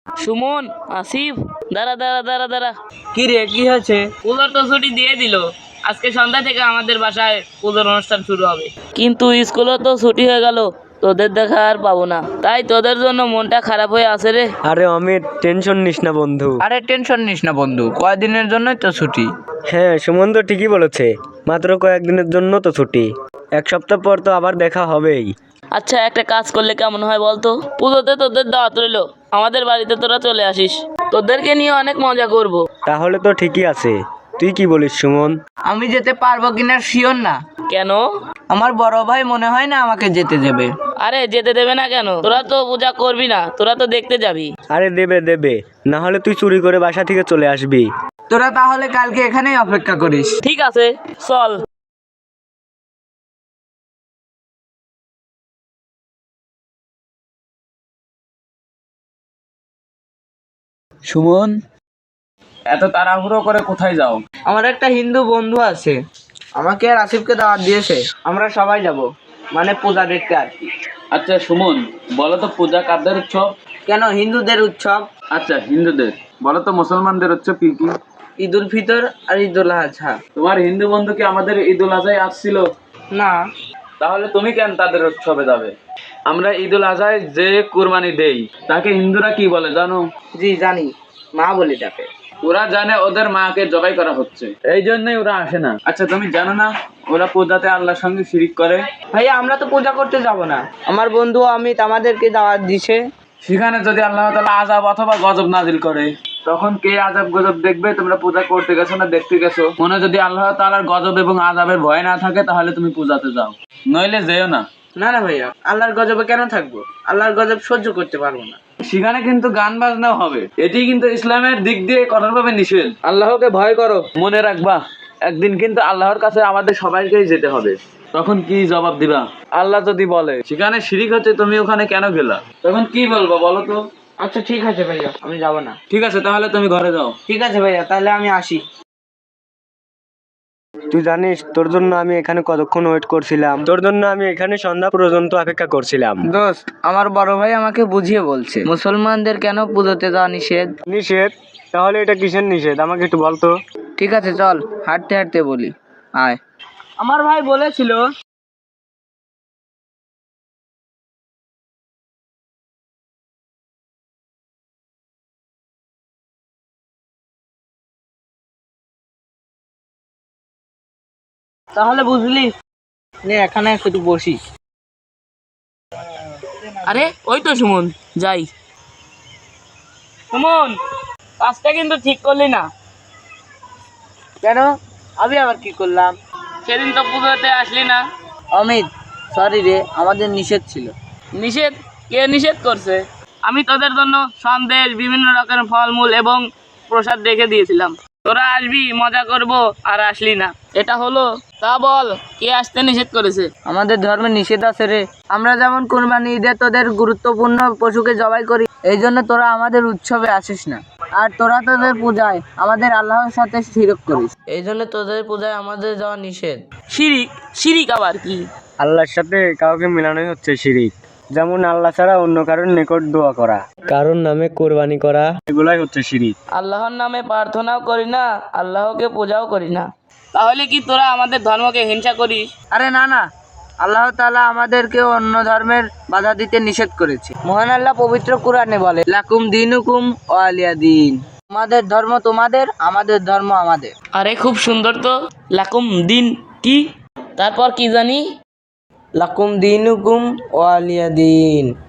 সুমন, আসিফ, দাঁড়া দাঁড়া দাঁড়া দাঁড়া। কি রে, কি হয়েছে? পুজোর তো ছুটি দিয়ে দিল। আজকে সন্ধ্যা থেকে আমাদের বাসায় পুজোর অনুষ্ঠান শুরু হবে, কিন্তু স্কুলও তো ছুটি হয়ে গেল। তোদের দেখা আর পাবো না, তাই তোদের জন্য মনটা খারাপ হয়ে আছে রে। আরে অমিত, টেনশন নিস না বন্ধু, কয়েকদিনের জন্যই তো ছুটি। হ্যাঁ, সুমন তো ঠিকই বলেছে, মাত্র কয়েকদিনের জন্য তো ছুটি। এক সপ্তাহ পর তো আবার দেখা হবেই। আচ্ছা, একটা কাজ করলে কেমন হয় বলতো? পুজোতে তোদের দাওয়াত রইলো, আমাদের বাড়িতে তোরা চলে আসিস, তোদেরকে নিয়ে অনেক মজা করব। তাহলে তো ঠিকই আছে, তুই কি বলিস সুমন? আমি যেতে পারবো কিনা শিওর না। কেন? আমার বড় ভাই মনে হয় না আমাকে যেতে দেবে। আরে যেতে দেবে না কেন? তোরা তো পূজা করবি না, তোরা তো দেখতে যাবি। আরে দেবে দেবে, না হলে তুই চুরি করে বাসা থেকে চলে আসবি। তোরা তাহলে কালকে এখানেই অপেক্ষা করিস। ঠিক আছে, চল। সুমন, এত তাড়াহুড়ো করে কোথায় যাও? আমার একটা হিন্দু বন্ধু আছে, আমাকে আর আসিফকে দাওয়াত দিয়েছে, আমরা সবাই যাব, মানে পূজা দেখতে আর কি। আচ্ছা সুমন, বলো তো পূজা কাদের উৎসব? কেন, হিন্দুদের উৎসব। আচ্ছা হিন্দুদের, বলো তো মুসলমানদের উৎসব কি কি? ঈদ উল ফিতর আর ঈদ উল আজহা। তোমার হিন্দু বন্ধু কি আমাদের ঈদ উল আজহায় আসছিল? না। তাহলে তুমি কেন তাদের উৎসবে যাবে? আমরা ঈদ উল আজহায় যে কুরবানি দেই তাকে হিন্দুরা কি বলে জানো? জি জানি, মা বলে ডাকে। ওরা জানে ওদের মাকে জবাই করা হচ্ছে, এই জন্যই ওরা আসে না। আচ্ছা তুমি জানো না ওরা পূজাতে আল্লাহর সঙ্গে শিরিক করে? ভাইয়া, আমরা তো পূজা করতে যাব না, আমার বন্ধু অমিত আমাদেরকে দাওয়াত দিছে। সেখানে যদি আল্লাহ তাআলা আযাব অথবা গজব নাজিল করে, তখন কে আযাব গজব দেখবে? তোমরা পূজা করতে গেছো না দেখতে গেছো? মনে যদি আল্লাহ তাআলার গজব এবং আযাবের ভয় না থাকে তাহলে তুমি পূজাতে যাও, নইলে যেও না। না না ভাইয়া, আল্লাহর গজবে কেন থাকবো? আল্লাহর গজব সহ্য করতে পারবো না। সেখানে কিন্তু গান বাজনাও হবে, এটি কিন্তু ইসলামের দিক দিয়ে কঠোরভাবে নিষেধ। আল্লাহকে ভয় করো, মনে রাখবা একদিন কিন্তু আল্লাহর কাছে আমাদের সবাইকেই যেতে হবে। তখন কি জবাব দিবা? আল্লাহ যদি বলে সেখানে শিরিক হচ্ছে, তুমি ওখানে কেন গেলা, তখন কি বলবো বলো তো? আচ্ছা ঠিক আছে ভাইয়া, আমি যাব না। ঠিক আছে, তাহলে তুমি ঘরে যাও। ঠিক আছে ভাইয়া, তাহলে আমি আসি। তুই জানিস তোর জন্য আমি এখানে কতক্ষণ ওয়েট করছিলাম? তোর জন্য আমি এখানে সন্ধ্যা পর্যন্ত অপেক্ষা করছিলাম। দোস্ত, আমার বড় ভাই আমাকে বুঝিয়ে বলছে মুসলমানদের কেন পুজোতে যাওয়া নিষেধ। নিষেধ? তাহলে এটা কিসের নিষেধ আমাকে একটু বলতো। ঠিক আছে চল, হাঁটতে হাঁটতে বলি, আয়। আমার ভাই বলেছিল তাহলে বুঝলি, নে এখানে একটু বসিস। আরে ওই তো সুমন, যাই। সুমন, কাজটা কিন্তু ঠিক করলি না। কেন? আমি আবার কি করলাম? সেদিন তো পুজোতে আসলি না। অমিত, সরি রে, আমাদের নিষেধ ছিল। নিষেধ? কে নিষেধ করছে? আমি তোদের জন্য সন্দেশ, বিভিন্ন রকমের ফলমূল এবং প্রসাদ রেখে দিয়েছিলাম, তোরা আসবি, মজা করব, আর আসলি না, এটা হলো? তা বল, কে আসতে নিষেধ করেছে? আমাদের ধর্মে নিষেধ আছে রে। আমরা যেমন কুরবানি ঈদে তোদের গুরুত্বপূর্ণ পশুকে জবাই করি, এই জন্য তোরা আমাদের উৎসবে আসিস না। আর তোরা তোদের পূজায় আমাদের আল্লাহর সাথে শিরক করিস, এই জন্য তোদের পূজায় আমাদের যাওয়া নিষেধ। শিরিক? শিরিক আবার কি? আল্লাহর সাথে কাউকে মেলানোই হচ্ছে শিরিক। যেমন আল্লাহ ছাড়া অন্য কারোর নিকট দোয়া করা, কারোর নামে কোরবানি করা, এগুলাই হচ্ছে শিরিক। আল্লাহর নামে প্রার্থনাও করি না, আল্লাহকে পূজাও করি না, তাহলে কি তোরা আমাদের ধর্মকে হিংসা করিস? আরে না না, আল্লাহ তাআলা আমাদেরকে অন্য ধর্মের বাধা দিতে নিষেধ করেছে। মহান আল্লাহ পবিত্র কুরআনে বলে, লাকুম দিনুকুম ওয়ালিয়া দিন। তোমাদের ধর্ম তোমাদের, আমাদের ধর্ম আমাদের। আরে খুব সুন্দর তো। লাকুম দিন কি? তারপর কি জানি? লাকুম দিনুকুম ওয়ালিয়া দিন।